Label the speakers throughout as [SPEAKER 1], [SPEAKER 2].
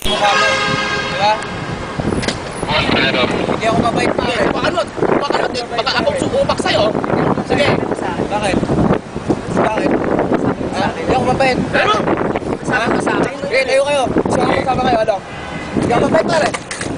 [SPEAKER 1] mukha mo. Diba? Hindi ako mabait na eh.
[SPEAKER 2] Paano? Baka ako sumubak sa'yo. Sige.
[SPEAKER 1] Bakit? Bakit? Hindi ako mabait.
[SPEAKER 2] Pero?
[SPEAKER 1] Sama ka sa akin. Okay, tayo kayo. Sama kayo, ano? Hindi ako mabait na rin.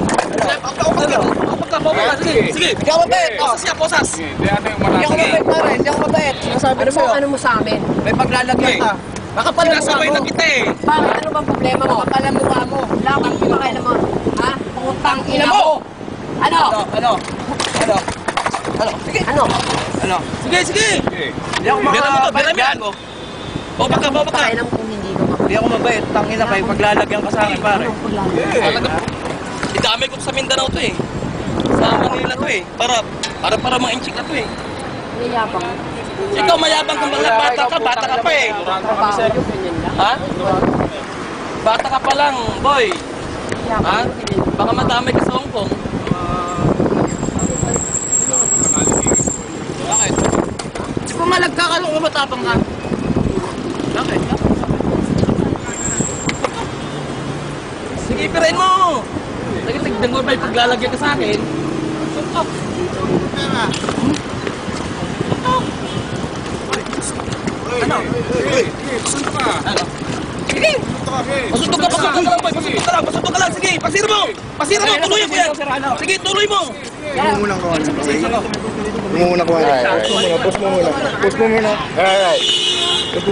[SPEAKER 2] Sige.
[SPEAKER 1] Hindi ako mabait.
[SPEAKER 2] Posas siya, posas.
[SPEAKER 1] Hindi ako mabait na rin. Hindi ako mabait. Sinasabi na sa'yo.
[SPEAKER 3] Ano mo sa amin?
[SPEAKER 1] May paglalagyan ka. Baka pala mukha
[SPEAKER 2] Sinasabay
[SPEAKER 1] mo.
[SPEAKER 2] na kita eh.
[SPEAKER 3] Bakit? Ano bang problema mo?
[SPEAKER 1] Baka pala mukha mo.
[SPEAKER 3] Wala kang pinakailan mo. Ha? Putang ina
[SPEAKER 1] Ina
[SPEAKER 3] mo!
[SPEAKER 1] mo!
[SPEAKER 3] Ano?
[SPEAKER 1] Ano? Sige.
[SPEAKER 3] Ano?
[SPEAKER 1] Ano?
[SPEAKER 2] Sige.
[SPEAKER 1] Hindi ako mabait yan.
[SPEAKER 2] Baba ka.
[SPEAKER 3] Kailan mo kung hindi ka mabait?
[SPEAKER 1] Hindi ako mabait. Tangina kayo. Paglalagyan ka sa akin, pare.
[SPEAKER 3] Anong paglalagyan?
[SPEAKER 2] Talaga po. Idamay ko sa Mindanao to eh. Sa Manila to eh. Para mga inchik na to eh.
[SPEAKER 3] Niyabang.
[SPEAKER 2] Ikaw mayabang kang mga bata ka pa eh.
[SPEAKER 3] Trabaho nyo, ganyan lang.
[SPEAKER 2] Ha? Bata ka pa lang, boy. Ha? Baka madamay ka sa Hong Kong. Bakit? Di pumalag ka nung matapang ka. Bakit? Sige, ipirain mo! Tignan mo ba yung paglalagyan ka sa akin? Suntok! Ano? Ano? Sige! Pasuntok ka lang, boy! Pasuntok ka lang! Sige! Pasira mo! Tuloy mo yan! Sige, tuloy mo!
[SPEAKER 4] Muna ko. Push mo muna. Push mo muna.